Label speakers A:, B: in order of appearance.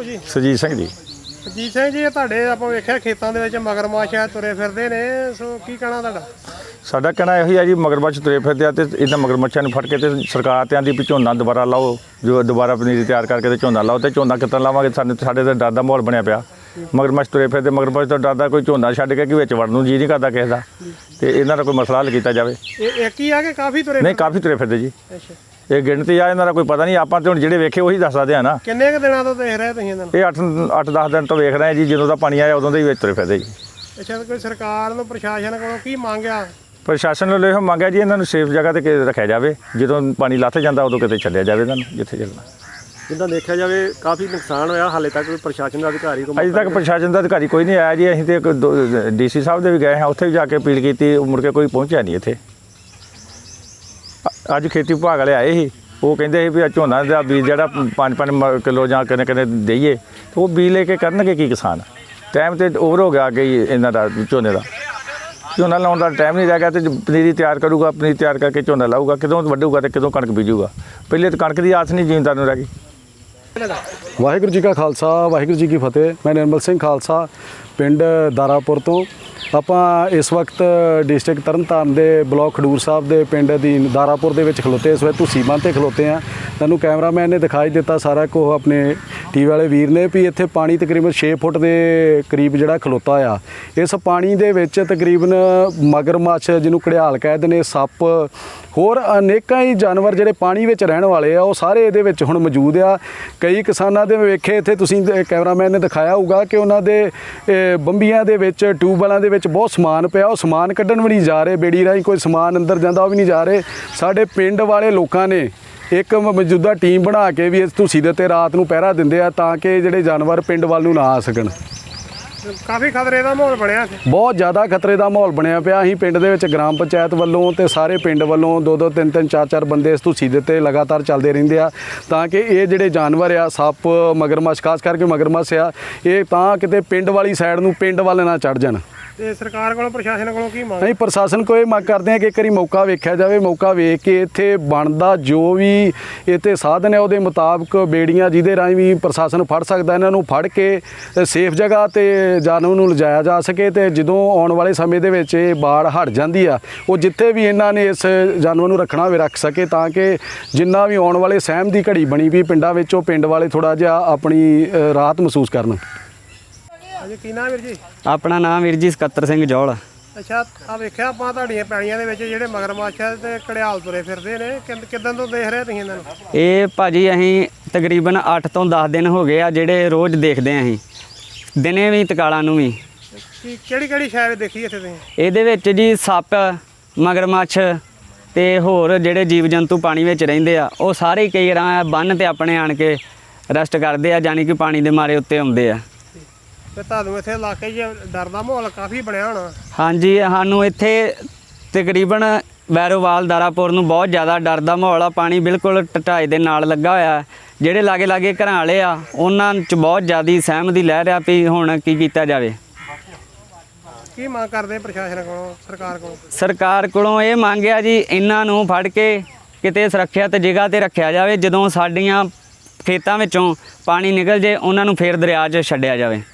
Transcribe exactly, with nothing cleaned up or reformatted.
A: ਨਾਮ ਜੀ?
B: ਸੁਰਜੀਤ ਸਿੰਘ ਜੀ।
A: ਸੁਰਜੀਤ ਸਿੰਘ ਜੀ, ਤੁਹਾਡੇ ਆਪਾਂ ਵੇਖਿਆ ਖੇਤਾਂ ਦੇ ਵਿੱਚ ਮਗਰਮੱਛ ਆ ਤੁਰੇ ਫਿਰਦੇ ਨੇ, ਸੋ ਕੀ ਕਹਿਣਾ ਤੁਹਾਡਾ?
B: ਸਾਡਾ ਕਹਿਣਾ ਇਹੋ ਹੀ ਆ ਜੀ, ਮਗਰਮੱਛ ਤੁਰੇ ਫਿਰਦੇ ਆ ਤੇ ਇਹਨਾਂ ਮਗਰਮੱਛਾਂ ਨੂੰ ਫੜ ਕੇ ਤੇ ਸਰਕਾਰ ਤੇ ਆਂਦੀ ਵੀ ਝੋਨਾ ਦੁਬਾਰਾ ਲਾਓ, ਜੋ ਦੁਬਾਰਾ ਪਨੀਰੀ ਤਿਆਰ ਕਰਕੇ ਤੇ ਝੋਨਾ ਲਾਓ। ਤੇ ਝੋਨਾ ਕਿੱਦਾਂ ਲਾਵਾਂਗੇ? ਸਾਨੂੰ ਸਾਡੇ ਤੇ ਡਰ ਦਾ ਮਾਹੌਲ ਬਣਿਆ ਪਿਆ। ਮਗਰਮੱਛ ਤੁਰੇ ਫਿਰਦੇ, ਮਗਰਮੱਛ ਤੋਂ ਡਰਦਾ ਕੋਈ ਝੋਨਾ ਛੱਡ ਕੇ ਕਿ ਵਿੱਚ ਵੜਨ ਨੂੰ ਜੀ ਨਹੀਂ ਕਰਦਾ ਕਿਸੇ ਦਾ। ਤੇ ਇਹਨਾਂ ਦਾ ਕੋਈ ਮਸਲਾ ਹੱਲ ਕੀਤਾ ਜਾਵੇ।
A: ਇਹ ਇੱਕ ਹੀ ਆ ਕਿ ਕਾਫੀ ਤੁਰੇ?
B: ਨਹੀਂ, ਕਾਫੀ ਤੁਰੇ ਫਿਰਦੇ ਜੀ।
A: ਅੱਛਾ,
B: ਇਹ ਗਿਣਤੀ ਆ, ਇਹਨਾਂ ਦਾ ਕੋਈ ਪਤਾ ਨਹੀਂ। ਆਪਾਂ ਤੇ ਹੁਣ ਜਿਹੜੇ ਵੇਖੇ ਉਹੀ ਦੱਸ ਸਕਦੇ ਆ ਨਾ।
A: ਕਿੰਨੇ ਕੁ ਦਿਨਾਂ ਤੋਂ ਦੇਖ ਰਹੇ ਤੁਸੀਂ ਇਹਨਾਂ ਨੂੰ?
B: ਇਹ ਅੱਠ ਅੱਠ ਦਸ ਦਿਨ ਤੋਂ ਵੇਖ ਰਹੇ ਜੀ, ਜਦੋਂ ਦਾ ਪਾਣੀ ਆਇਆ ਉਦੋਂ ਦੇ ਹੀ ਵਿੱਚ ਤੁਰੇ ਫਿਰਦੇ ਜੀ।
A: ਅੱਛਾ, ਕੋਈ ਸਰਕਾਰ ਨੂੰ ਪ੍ਰਸ਼ਾਸਨ ਕੋਲੋਂ ਕੀ ਮੰਗਿਆ?
B: ਪ੍ਰਸ਼ਾਸਨ ਵੱਲੋਂ ਇਹੋ ਮੰਗਿਆ ਜੀ, ਇਹਨਾਂ ਨੂੰ ਸੇਫ ਜਗ੍ਹਾ 'ਤੇ ਰੱਖਿਆ ਜਾਵੇ। ਜਦੋਂ ਪਾਣੀ ਲੱਥ ਜਾਂਦਾ ਉਦੋਂ ਕਿਤੇ ਛੱਡਿਆ ਜਾਵੇ ਇਹਨਾਂ ਨੂੰ, ਜਿੱਥੇ ਚੱਲਣਾ।
C: ਜਿੱਦਾਂ ਦੇਖਿਆ ਜਾਵੇ ਕਾਫੀ ਨੁਕਸਾਨ ਹੋਇਆ, ਹਾਲੇ ਤੱਕ ਕੋਈ ਪ੍ਰਸ਼ਾਸਨ ਦਾ ਅਧਿਕਾਰੀ ਕੋਈ
B: ਅਜੇ ਤੱਕ ਪ੍ਰਸ਼ਾਸਨ ਦਾ ਅਧਿਕਾਰੀ ਕੋਈ ਨਹੀਂ ਆਇਆ ਜੀ। ਅਸੀਂ ਤੇ ਇੱਕ ਡੀ ਸੀ ਸਾਹਿਬ ਦੇ ਵੀ ਗਏ ਹਾਂ, ਉੱਥੇ ਵੀ ਜਾ ਕੇ ਅਪੀਲ ਕੀਤੀ, ਮੁੜ ਕੇ ਕੋਈ ਪਹੁੰਚਿਆ ਨਹੀਂ ਇੱਥੇ। ਅੱਜ ਖੇਤੀ ਵਿਭਾਗ ਵਾਲੇ ਆਏ ਸੀ, ਉਹ ਕਹਿੰਦੇ ਸੀ ਵੀ ਝੋਨਾ ਦਾ ਬੀਜ ਜਿਹੜਾ ਪੰਜ ਪੰਜ ਕਿਲੋ ਜਾਂ ਕਿੰਨੇ ਕਿੰਨੇ ਦੇਈਏ, ਤੇ ਉਹ ਬੀਜ ਲੈ ਕੇ ਕਰਨਗੇ ਕੀ ਕਿਸਾਨ? ਟਾਈਮ ਤੇ ਓਵਰ ਹੋ ਗਿਆ ਕਿ ਇਹਨਾਂ ਦਾ ਝੋਨੇ ਦਾ ਝੋਨਾ ਲਾਉਣ ਦਾ ਟਾਈਮ ਨਹੀਂ ਰਹਿ ਗਿਆ। ਤੇ ਪਨੀਰੀ ਤਿਆਰ ਕਰੂਗਾ, ਪਨੀਰੀ ਤਿਆਰ ਕਰਕੇ ਝੋਨਾ ਲਾਊਗਾ, ਕਦੋਂ ਵੱਢੂਗਾ ਤੇ ਕਦੋਂ ਕਣਕ ਬੀਜੂਗਾ? ਪਹਿਲੇ ਤਾਂ ਕਣਕ ਦੀ ਆਸ ਨਹੀਂ ਜ਼ਿਮੀਂਦਾਰ ਨੂੰ ਰਹਿ ਗਈ।
D: ਵਾਹਿਗੁਰੂ ਜੀ ਕਾ ਖਾਲਸਾ, ਵਾਹਿਗੁਰੂ ਜੀ ਕੀ ਫਤਿਹ। ਮੈਂ ਨਿਰਮਲ ਸਿੰਘ ਖਾਲਸਾ, ਪਿੰਡ ਦਾਰਾਪੁਰ ਤੋਂ। ਆਪਾਂ ਇਸ ਵਕਤ ਡਿਸਟ੍ਰਿਕਟ ਤਰਨਤਾਰਨ ਦੇ ਬਲਾਕ ਖਡੂਰ ਸਾਹਿਬ ਦੇ ਪਿੰਡ ਅਧੀਨ ਦਾਰਾਪੁਰ ਦੇ ਵਿੱਚ ਖਲੋਤੇ। ਇਸ ਵੇਲੇ ਤੁਸੀਂ ਬੰਨ੍ਹ 'ਤੇ ਖਲੋਤੇ ਆ। ਤੁਹਾਨੂੰ ਕੈਮਰਾਮੈਨ ਨੇ ਦਿਖਾਈ ਦਿੱਤਾ ਸਾਰਾ ਕੁਝ, ਆਪਣੇ ਟੀਵੀ ਵਾਲੇ ਵੀਰ ਨੇ, ਵੀ ਇੱਥੇ ਪਾਣੀ ਤਕਰੀਬਨ ਛੇ ਫੁੱਟ ਦੇ ਕਰੀਬ ਜਿਹੜਾ ਖਲੋਤਾ ਆ। ਇਸ ਪਾਣੀ ਦੇ ਵਿੱਚ ਤਕਰੀਬਨ ਮਗਰਮੱਛ, ਜਿਹਨੂੰ ਘੜਿਆਲ ਕਹਿੰਦੇ ਨੇ, ਸੱਪ, ਹੋਰ ਅਨੇਕਾਂ ਹੀ ਜਾਨਵਰ ਜਿਹੜੇ ਪਾਣੀ ਵਿੱਚ ਰਹਿਣ ਵਾਲੇ ਆ, ਉਹ ਸਾਰੇ ਇਹਦੇ ਵਿੱਚ ਹੁਣ ਮੌਜੂਦ ਆ। ਕਈ ਕਿਸਾਨਾਂ ਦੇ ਵੇਖੇ ਇੱਥੇ ਤੁਸੀਂ ਕੈਮਰਾਮੈਨ ਨੇ ਦਿਖਾਇਆ ਹੋਊਗਾ ਕਿ ਉਹਨਾਂ ਦੇ ਬੰਬੀਆਂ ਦੇ ਵਿੱਚ, ਟਿਊਬਵੈਲਾਂ ਦੇ ਵਿੱਚ ਬਹੁਤ ਸਮਾਨ ਪਿਆ। ਉਹ ਸਮਾਨ ਕੱਢਣ ਵੀ ਨਹੀਂ ਜਾ ਰਹੇ, ਬੇੜੀ ਰਾਹੀਂ ਕੋਈ ਸਮਾਨ ਅੰਦਰ ਜਾਂਦਾ ਉਹ ਵੀ ਨਹੀਂ ਜਾ ਰਹੇ। ਸਾਡੇ ਪਿੰਡ ਵਾਲੇ ਲੋਕਾਂ ਨੇ ਇੱਕ ਮੌਜੂਦਾ ਟੀਮ ਬਣਾ ਕੇ ਵੀ ਇਸ ਧੂਸੀ ਦੇ ਉੱਤੇ ਰਾਤ ਨੂੰ ਪਹਿਰਾ ਦਿੰਦੇ ਆ, ਤਾਂ ਕਿ ਜਿਹੜੇ ਜਾਨਵਰ ਪਿੰਡ ਵੱਲ ਨੂੰ ਨਾ ਆ ਸਕਣ।
A: ਕਾਫੀ ਖਤਰੇ ਦਾ ਮਾਹੌਲ ਬਣਿਆ ਸੀ,
D: ਬਹੁਤ ਜ਼ਿਆਦਾ ਖਤਰੇ ਦਾ ਮਾਹੌਲ ਬਣਿਆ ਪਿਆ। ਅਸੀਂ ਪਿੰਡ ਦੇ ਵਿੱਚ ਗ੍ਰਾਮ ਪੰਚਾਇਤ ਵੱਲੋਂ ਤੇ ਸਾਰੇ ਪਿੰਡ ਵੱਲੋਂ ਦੋ ਦੋ ਤਿੰਨ ਤਿੰਨ ਚਾਰ ਚਾਰ ਬੰਦੇ ਇਸ ਧੂਸੀ ਦੇ ਉੱਤੇ ਲਗਾਤਾਰ ਚੱਲਦੇ ਰਹਿੰਦੇ ਆ, ਤਾਂ ਕਿ ਇਹ ਜਿਹੜੇ ਜਾਨਵਰ ਆ, ਸੱਪ, ਮਗਰਮੱਛ, ਖਾਸ ਕਰਕੇ ਮਗਰਮੱਛ ਆ, ਇਹ ਤਾਂ ਕਿਤੇ ਪਿੰਡ ਵਾਲੀ ਸਾਈਡ ਨੂੰ, ਪਿੰਡ ਵੱਲ ਨਾ ਚੜ ਜਾਣ।
A: ਤੇ ਸਰਕਾਰ ਕੋਲੋਂ, ਪ੍ਰਸ਼ਾਸਨ ਕੋਲੋਂ ਕੀ ਮੰਗ?
D: ਨਹੀਂ, ਪ੍ਰਸ਼ਾਸਨ ਕੋਲ ਇਹ ਮੰਗ ਕਰਦੇ ਆ ਕਿ ਇੱਕ ਵਾਰੀ ਮੌਕਾ ਵੇਖਿਆ ਜਾਵੇ। ਮੌਕਾ ਵੇਖ ਕੇ ਇੱਥੇ ਬਣਦਾ ਜੋ ਵੀ ਇੱਥੇ ਸਾਧਨ ਹੈ ਉਹਦੇ ਮੁਤਾਬਕ ਬੇੜੀਆਂ ਜਿਹਦੇ ਰਾਹੀਂ ਵੀ ਪ੍ਰਸ਼ਾਸਨ ਫੜ ਸਕਦਾ, ਇਹਨਾਂ ਨੂੰ ਫੜ ਕੇ ਸੇਫ ਜਗ੍ਹਾ ਤੇ ਜਾਨਵਰ ਨੂੰ ਲਿਜਾਇਆ ਜਾ ਸਕੇ। ਤੇ ਜਦੋਂ ਆਉਣ ਵਾਲੇ ਸਮੇਂ ਦੇ ਵਿੱਚ ਇਹ ਬਾੜ ਹਟ ਜਾਂਦੀ ਆ, ਉਹ ਜਿੱਥੇ ਵੀ ਇਹਨਾਂ ਨੇ ਇਸ ਜਾਨਵਰ ਨੂੰ ਰੱਖਣਾ ਹੋਵੇ ਰੱਖ ਸਕੇ, ਤਾਂ ਕਿ ਜਿੰਨਾ ਵੀ ਆਉਣ ਵਾਲੇ ਸਹਿਮ ਦੀ ਘੜੀ ਬਣੀ ਵੀ ਪਿੰਡਾਂ ਵਿੱਚ, ਉਹ ਪਿੰਡ ਵਾਲੇ ਥੋੜ੍ਹਾ ਜਿਹਾ ਆਪਣੀ ਰਾਹਤ ਮਹਿਸੂਸ ਕਰਨ।
A: ਅਜੇ ਕੀ ਨਾਮ ਵੀਰ ਜੀ?
E: ਆਪਣਾ ਨਾਮ ਵੀਰ ਜੀ ਸਕੱਤਰ ਸਿੰਘ ਜੌਲ।
A: ਅੱਛਾ, ਆ ਵੇਖਿਆ ਆਪਾਂ ਤੁਹਾਡੀਆਂ ਪੈਲੀਆਂ ਦੇ ਵਿੱਚ ਜਿਹੜੇ ਮਗਰਮੱਛ ਤੇ ਘੜਿਆਲ ਤੁਰੇ ਫਿਰਦੇ ਨੇ, ਕਿੱਦਾਂ ਤੋਂ ਦੇਖ ਰਹੇ ਤੁਸੀਂ ਇਹਨਾਂ ਨੂੰ?
E: ਇਹ ਭਾਜੀ ਅਸੀਂ ਤਕਰੀਬਨ ਅੱਠ ਤੋਂ ਦਸ ਦਿਨ ਹੋ ਗਏ ਆ ਜਿਹੜੇ ਰੋਜ਼ ਦੇਖਦੇ ਆਂ। ਅਸੀਂ ਦਿਨੇ ਵੀ ਤਕਾਲਾਂ ਨੂੰ ਵੀ।
A: ਕੀ ਕਿਹੜੀ ਕਿਹੜੀ ਸ਼ਾਇਦ ਦੇਖੀ ਇੱਥੇ ਤੁਸੀਂ?
E: ਇਹਦੇ ਵਿੱਚ ਜੀ ਸੱਪ, ਮਗਰਮੱਛ ਤੇ ਹੋਰ ਜਿਹੜੇ ਜੀਵ ਜੰਤੂ ਪਾਣੀ ਵਿੱਚ ਰਹਿੰਦੇ ਆ, ਉਹ ਸਾਰੇ ਕਈ ਰਾਂ ਬੰਨ੍ਹ ਤੇ ਆਪਣੇ ਆਣ ਕੇ ਰੈਸਟ ਕਰਦੇ ਆ, ਜਾਨੀ ਕਿ ਪਾਣੀ ਦੇ ਮਾਰੇ ਉੱਤੇ ਆਉਂਦੇ ਆ।
A: ਤੇ ਤੁਹਾਨੂੰ ਇੱਥੇ ਇਲਾਕੇ 'ਚ ਡਰ ਦਾ ਮਾਹੌਲ ਕਾਫੀ ਬਣਿਆ ਹੋਣਾ?
E: ਹਾਂਜੀ, ਸਾਨੂੰ ਇੱਥੇ ਤਕਰੀਬਨ ਵੈਰੋਵਾਲ, ਦਾਰਾਪੁਰ ਨੂੰ ਬਹੁਤ ਜ਼ਿਆਦਾ ਡਰ ਦਾ ਮਾਹੌਲ ਆ। ਪਾਣੀ ਬਿਲਕੁਲ ਢਾਈ ਦੇ ਨਾਲ ਲੱਗਾ ਹੋਇਆ। ਜਿਹੜੇ ਲਾਗੇ ਲਾਗੇ ਘਰਾਂ ਵਾਲੇ ਆ, ਉਹਨਾਂ 'ਚ ਬਹੁਤ ਜ਼ਿਆਦਾ ਸਹਿਮ ਦੀ ਲਹਿਰ ਆ ਵੀ ਹੁਣ ਕੀ ਕੀਤਾ ਜਾਵੇ।
A: ਕੀ ਮੰਗ ਕਰਦੇ ਪ੍ਰਸ਼ਾਸਨ ਕੋਲੋਂ, ਸਰਕਾਰ ਕੋਲੋਂ?
E: ਸਰਕਾਰ ਕੋਲੋਂ ਇਹ ਮੰਗਿਆ ਜੀ, ਇਹਨਾਂ ਨੂੰ ਫੜ ਕੇ ਕਿਤੇ ਸੁਰੱਖਿਅਤ ਜਗ੍ਹਾ 'ਤੇ ਰੱਖਿਆ ਜਾਵੇ। ਜਦੋਂ ਸਾਡੀਆਂ ਖੇਤਾਂ ਵਿੱਚੋਂ ਪਾਣੀ ਨਿਕਲ ਜੇ, ਉਹਨਾਂ ਨੂੰ ਫੇਰ ਦਰਿਆ 'ਚ ਛੱਡਿਆ ਜਾਵੇ।